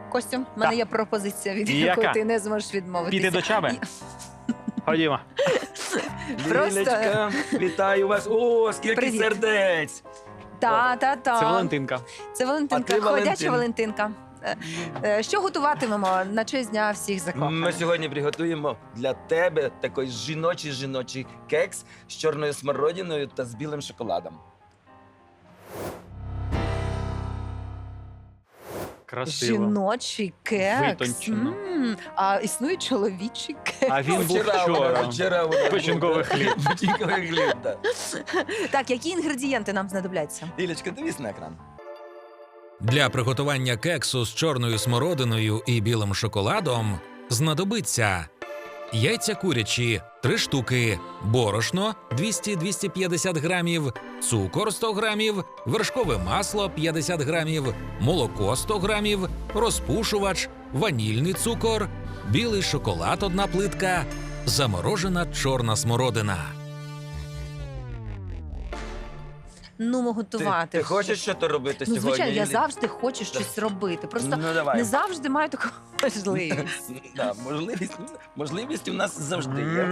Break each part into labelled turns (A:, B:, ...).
A: Костю, в мене
B: Так.
A: є пропозиція, від
B: Яка?
A: якої ти не зможеш відмовитися.
B: Піти до Чаби? Ходімо.
A: Просто-
C: Лілечка, вітаю вас. О, скільки
A: Привіт.
C: сердець.
A: Та.
B: Це Валентинка.
A: Це Валентинка,
C: А ти
A: ходяча
C: Валентин.
A: Валентинка. Що готуватимемо на честь дня всіх закоханих?
C: Ми сьогодні приготуємо для тебе такий жіночий кекс з чорною смородиною та з білим шоколадом.
B: Красиво.
A: Жіночий кекс.
B: Витончено.
A: А існує чоловічий кекс.
B: А він був вчора.
C: Вчора
B: Печінковий хліб.
C: Печінковий хліб, так.
A: Так, які інгредієнти нам знадобляться?
C: Лілечка, дивись на екран.
D: Для приготування кексу з чорною смородиною і білим шоколадом знадобиться яйця курячі 3 штуки, борошно 200-250 грамів, цукор 100 грамів, вершкове масло 50 грамів, молоко 100 грамів, розпушувач, ванільний цукор, білий шоколад 1 плитка, заморожена чорна смородина.
A: Ну, готувати.
C: Ти хочеш щось робити
A: Ну,
C: сьогодні?
A: звичайно, я
C: Лілі?
A: завжди хочу щось робити. Просто
C: Ну, давай.
A: не завжди маю таку можливість.
C: Да, можливість у нас завжди є.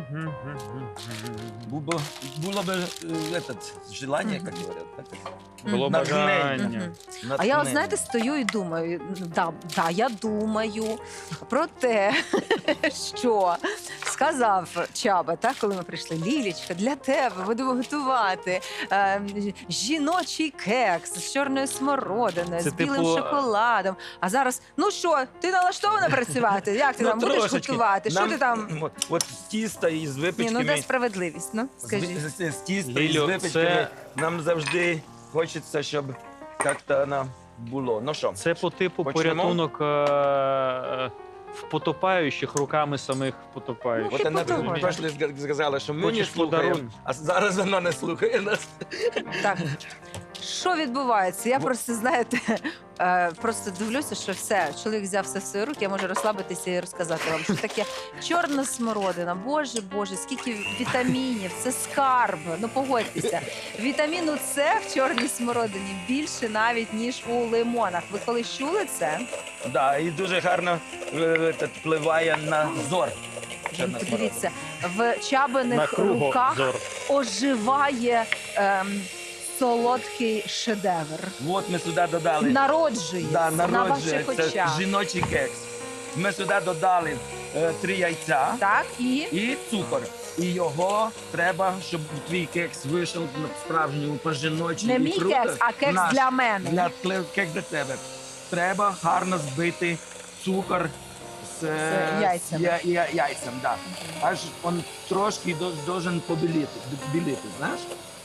C: Було б желання, як говорять.
B: Було
C: Натхнення.
B: бажання.
A: А я, от, знаєте, стою і думаю, я думаю про те, що сказав Чаба, так, коли ми прийшли. Лілічка, для тебе будемо готувати жіночий кекс з чорною смородиною,
B: Це
A: з білим
B: типу,
A: шоколадом. А зараз, ну що, ти налаштована працювати? Як ти там будеш
C: трошечки.
A: готувати? Що
C: Нам,
A: ти там?
C: От з тіста і з
A: Ні,
C: випічками.
A: ну де справедливість, ну, скажіть.
C: З тіста і з
B: Лілю,
C: випічками
B: це-
C: нам завжди хочеться, щоб як-то воно було. Ну що?
B: Це по типу
C: Почнемо?
B: порятунок в потопаючих руками самих потопаючих.
C: От вона
A: потім.
C: пройшли, сказала, що ми не
B: Хочеш
C: слухаємо,
B: подарунок?
C: а зараз вона не слухає нас.
A: Так, що відбувається? Я просто, знаєте, просто дивлюся, що все, чоловік взяв все в свої руки, я можу розслабитися і розказати вам, що таке чорна смородина. Боже, скільки вітамінів, це скарб, ну погодьтеся. Вітаміну С в чорній смородині більше навіть, ніж у лимонах. Ви коли чули це?
C: Да, і дуже гарно впливає на зор. Чорна
A: Подивіться, в
B: На
A: Чабиних
B: кругозор.
A: руках оживає солодкий шедевр.
C: смородина. От ми сюди додали.
A: Народжується
C: Да,
A: на
C: народжується.
A: ваших
C: Це
A: очах.
C: жіночий кекс. Ми сюди додали 3 яйця
A: Так,
C: і цукор. І його треба, щоб твій кекс вийшов на справжньому по-жіночі.
A: не
C: і
A: мій
C: круто.
A: кекс, а кекс
C: Наш.
A: для мене.
C: Кекс для тебе. Треба гарно збити цукор з
A: яйцями.
C: яйцем, да. Аж він трошки должен біліти, знаєш?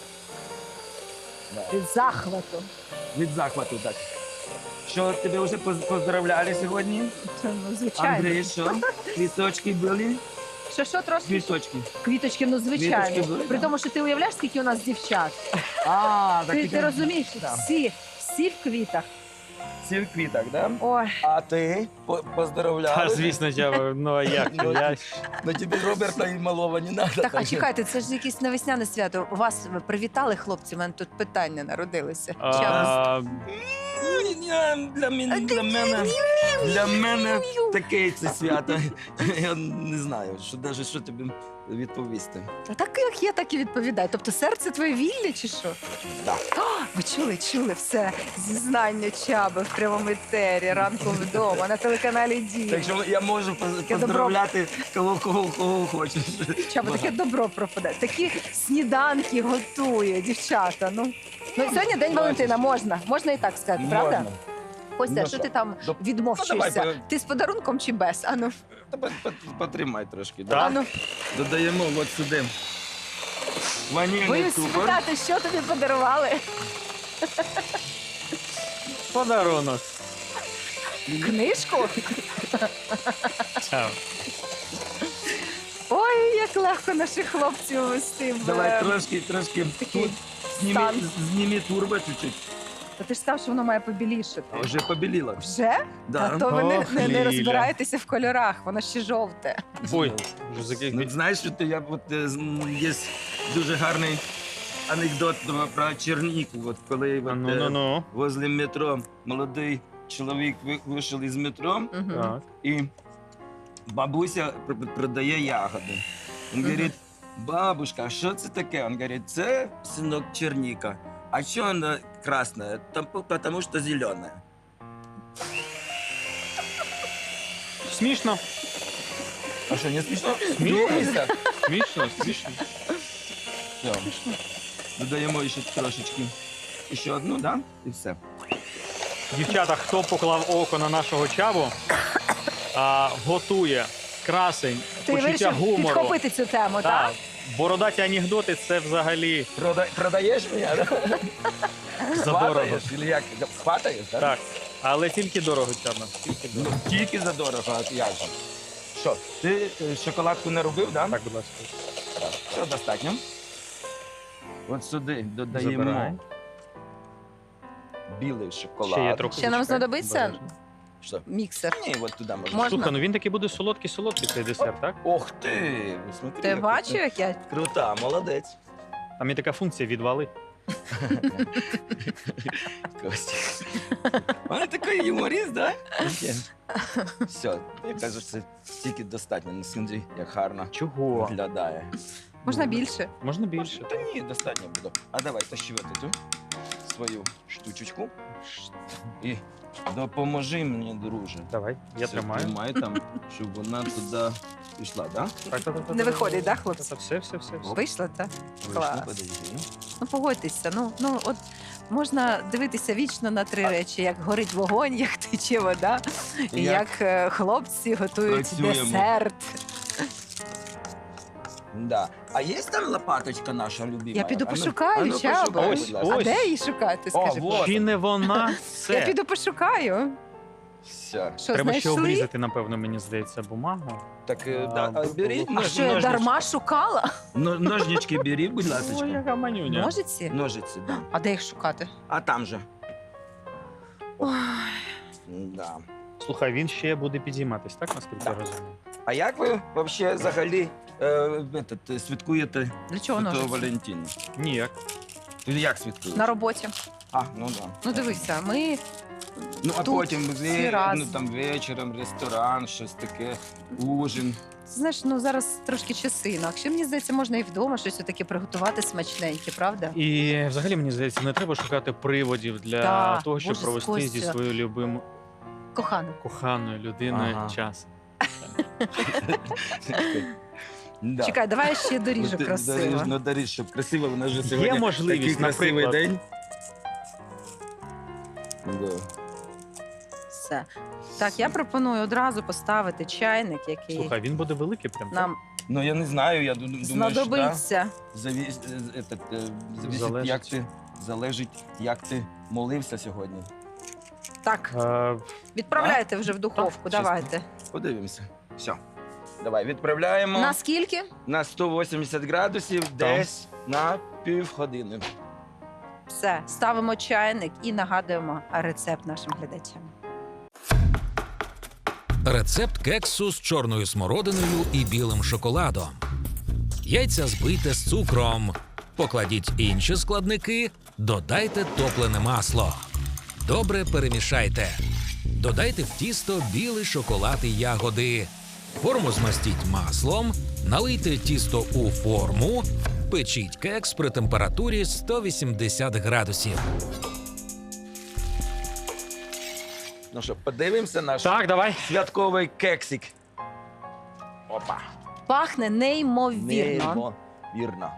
C: Да.
A: Від захвату.
C: Від захвату, так. Що тебе вже поздравляли сьогодні?
A: Це, ну, звичайно.
C: Андрій, що? Квіточки були?
A: Що трошки?
C: Квіточки.
A: Квіточки, ну звичайно.
C: Квіточки були,
A: При
C: да.
A: тому, що ти уявляєш, скільки у нас дівчат.
C: А, так
A: Ти розумієш,
C: Да.
A: всі в квітах.
C: Всі в квітах, да?
A: Ой,
C: А ти поздравляли?
B: Та, звісно, Чаба, ну а як? Я...
C: На тебе Роберта і малого не треба.
A: так, а чекайте, це ж якесь навесняне свято. Вас привітали, хлопці? У мене тут питання народилися.
B: А,
C: Для мене таке це свято. Я не знаю, що тобі відповісти.
A: А так як є, так і відповідаю. Тобто серце твоє вільне чи що?
C: Да.
A: Ви чули все зізнання Чаби в прямому етері, ранку вдома, на телеканалі Дія.
C: Так що я можу поздравляти кого хочеш.
A: Чаба, таке добро пропадає. Такі сніданки готує, дівчата. Ну сьогодні день Валентина, можна і так сказати, правда?
C: Можна.
A: Костя,
C: Ну,
A: що
C: що?
A: ти там
C: Ну,
A: відмовчуєшся?
C: давай,
A: Ти з подарунком чи без? Ану,
C: Потримай трошки.
B: Так.
C: Да?
A: ану.
C: Додаємо от сюди ванільний
A: Боюсь
C: цукор.
A: спитати, що тобі подарували.
B: подарунок.
A: Книжку?
B: Чаба.
A: Ой, як легко наших хлопців вести.
C: Давай трошки
A: такий
C: тут
A: стан.
C: зніми турбо чуть-чуть.
A: Ти ж сказав, що воно має побілішати.
C: Вже побіліло.
A: Вже?
C: Да.
A: А то ви
B: Ох,
A: не
B: Ліля.
A: розбираєтеся в кольорах, воно ще жовте.
B: Ой, вже заких.
C: Ну, знаєш, що є дуже гарний анекдот про Черніку. От коли
B: Ну.
C: возле метро молодий чоловік вийшов із метро,
A: Мгм.
B: Так.
C: і бабуся продає ягоди. Він
A: Мгм.
C: говорить, бабушка, а що це таке? Він говорить, це, синок, черніка. А що вона красна? Тому що зелена.
B: Смішно.
C: А що, не смішно?
B: Смішно.
C: Смійся.
B: Смішно, смішно.
C: Все. Додаємо ще трошечки. Ще одну, да? І все.
B: Дівчата, хто поклав око на нашого чабу, готує красень,
A: Ти
B: почуття
A: вирішив
B: гумору.
A: підхопити цю тему, так?
B: Бородаті анекдоти це взагалі
C: Продаєш мене?
B: задорого.
C: Хватаєш? Или як? Хватаєш, так?
B: Так. Але тільки дорого, Чаба. Тільки
C: Ну,
B: дорого.
C: тільки за дорого, а як же? Що, ти шоколадку не робив, да?
B: Так, будь ласка.
C: Так. Все, достатньо. От сюди додаємо
B: Забирай.
C: білий шоколад.
B: Ще є трохи.
A: Ще нам
B: зачекай.
A: знадобиться
B: Обережно.
C: Що?
A: міксер.
C: Ні, от туди можна.
A: Можна?
B: Слухай, ну він такий буде солодкий цей десерт, так?
C: Ох ти! Смотри,
A: Ти
C: яка
A: бачив, як я?
C: Крута, молодець.
B: Там є така функція відвали.
C: Костя. Вона такий юморіст, да? Все, я кажу, це тільки достатньо. Не смотри, як гарно
B: Чого?
C: виглядає.
A: Можна більше.
B: Можна більше.
C: Та ні, достатньо буде. А давай тащи цю свою штучечку і допоможи мені, друже.
B: Давай, я
C: Все,
B: тримаю.
C: Тримай там, щоб вона туди пішла, да?
B: Так.
A: Не виходить, да, хлопці?
B: Все.
A: Вийшло, так?
C: Вийшло,
A: Клас.
C: подожди.
A: Ну погодьтеся. Ну от можна дивитися вічно на три речі: як горить вогонь, як тече вода, і
C: Як
A: як хлопці готують
C: працюємо.
A: десерт.
C: Да. А є там лопаточка наша любима?
A: Я піду
C: А ну-
A: пошукаю,
C: а ну,
A: Чабо.
C: пошукай,
B: Ось,
C: будь ласка.
A: А
B: ось.
A: де її шукати?
C: О,
A: Скажи.
C: вот.
B: Чи не вона?
A: Я
B: Все.
A: піду пошукаю.
C: Все.
A: Що,
B: Треба ще
A: знайшли?
B: обрізати, напевно, мені здається, бумагу.
C: Так,
B: А,
C: да, а бери
A: А що я дарма шукала?
C: Ножнички бери, будь ласка.
B: Ой, яка манюня.
A: Ножиці?
C: Ножиці, да.
A: А де їх шукати?
C: А там же.
A: Ой,
C: Да.
B: Слухай, він ще буде підійматись, так, наскільки я
C: Так.
B: розумію?
C: А як ви взагалі святкуєте
A: для чого
C: Святого
A: ножиці?
C: Валентина?
B: Ніяк.
C: Ти як святкуєш?
A: На роботі.
C: А, ну да.
A: Ну дивися, ми
C: Ну, а
A: тут
C: потім
A: всі разом.
C: там вечором, ресторан, щось таке, ужин.
A: знаєш, ну зараз трошки часи інакше. Мені здається, можна і вдома щось таке приготувати смачненьке, правда?
B: І взагалі, мені здається, не треба шукати приводів для
A: Так,
B: того, щоб
A: Боже,
B: провести зі
A: Костя.
B: своєю любимою
A: Кохана.
B: коханою людиною
C: Ага.
B: час.
C: Да.
A: Чекай, давай я ще доріжу
C: Ну, ти
A: красиво.
C: доріж, щоб красиво, вона ж сьогодні
B: можливість,
C: такий красивий
B: наприклад.
C: день. Да.
A: Все. Так, я пропоную одразу поставити чайник, який
B: Слухай, він буде великий прям.
A: нам
C: Ну, я не знаю, я думаю, що
A: знадобиться.
C: залежить, як ти молився сьогодні.
A: Так,
B: Так.
A: відправляйте вже в духовку.
C: Так,
A: Давайте.
C: Подивимося. Все. Давай, відправляємо
A: На скільки?
C: на 180 градусів десь на півгодини.
A: Все, ставимо чайник і нагадуємо рецепт нашим глядачам.
D: Рецепт кексу з чорною смородиною і білим шоколадом. Яйця збийте з цукром. Покладіть інші складники, додайте топлене масло. Добре перемішайте. Додайте в тісто білий шоколад і ягоди. Форму змастіть маслом, налийте тісто у форму, печіть кекс при температурі 180 градусів.
C: Ну що, подивимося наш
B: Так, давай.
C: святковий кексик. Опа.
A: Пахне неймовірно.
C: Вірно.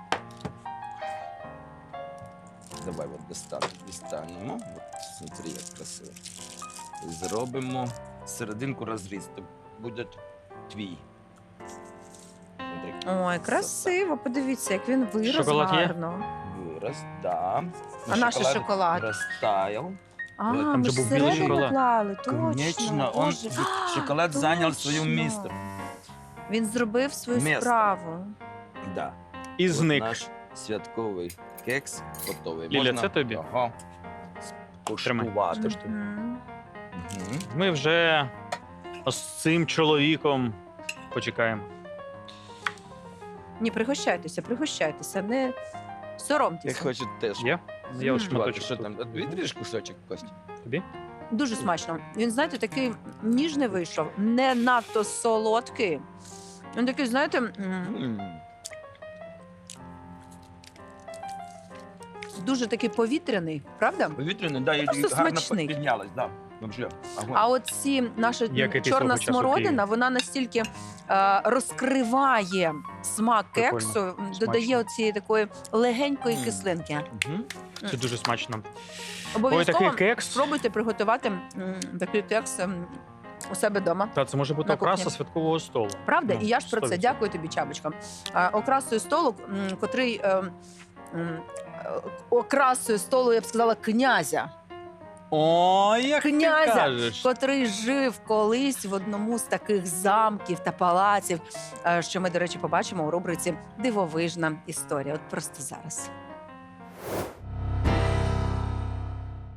C: Давай от дістанемо. От, смотри, як красиво. Зробимо серединку розріз. То буде твій. Смотри.
A: Ой, красиво. Подивіться, як він вирос
B: Шоколад є?
A: гарно.
C: Вираз, да.
A: А наш шоколад?
C: Розтаяв.
A: А,
B: Там
A: ми
B: же
A: ж
B: був білий
A: всередину
B: шоколад.
A: клали, точно.
C: Конечно, он,
A: Боже.
C: шоколад зайняв своє
A: точно.
C: місце.
A: Він зробив свою
C: Місто.
A: справу.
C: Да.
B: І
C: От
B: зник.
C: наш святковий кекс готовий.
B: Ліля, це тобі?
C: Ага.
B: Тримай.
C: Куштувати.
A: Мгм.
C: Мгм.
B: Ми вже з цим чоловіком почекаємо.
A: Ні, пригощайтеся, не
C: Я
A: соромтеся.
C: хочу теж.
B: Є? Я от
A: Мгм.
B: шматочок.
C: Що
B: тут.
C: там? Відріж кусочок, Костя.
B: Тобі?
A: Дуже смачно. Він, знаєте, такий ніжний вийшов, не надто солодкий. Він такий, знаєте, дуже такий повітряний, правда?
C: Повітряний, да, і
A: Просто
C: гарно
A: смачний.
C: піднялась, да. Вообще, огонь.
A: А от ці наша
B: Який ти
A: чорна
B: свого часу
A: смородина,
B: п'єш?
A: вона настільки розкриває смак
B: Прикольно.
A: кексу, додає
B: Смачно.
A: оцієї такої легенької
C: Мм.
A: кислинки.
C: Мгм.
B: Це дуже смачно. Ой,
A: Обов'язково
B: такий кекс.
A: спробуйте приготувати такий кекс у себе вдома.
B: Та це може бути
A: На
B: окраса
A: кухні.
B: святкового столу.
A: Правда?
B: Ну,
A: І я ж про це
B: 100%.
A: дякую тобі, Чабочка. Окрасою столу, котрий окрасою столу, я б сказала, князя.
B: Ой, як
A: Князя,
B: ти кажеш.
A: котрий жив колись в одному з таких замків та палаців, що ми, до речі, побачимо у рубриці Дивовижна історія. От просто зараз.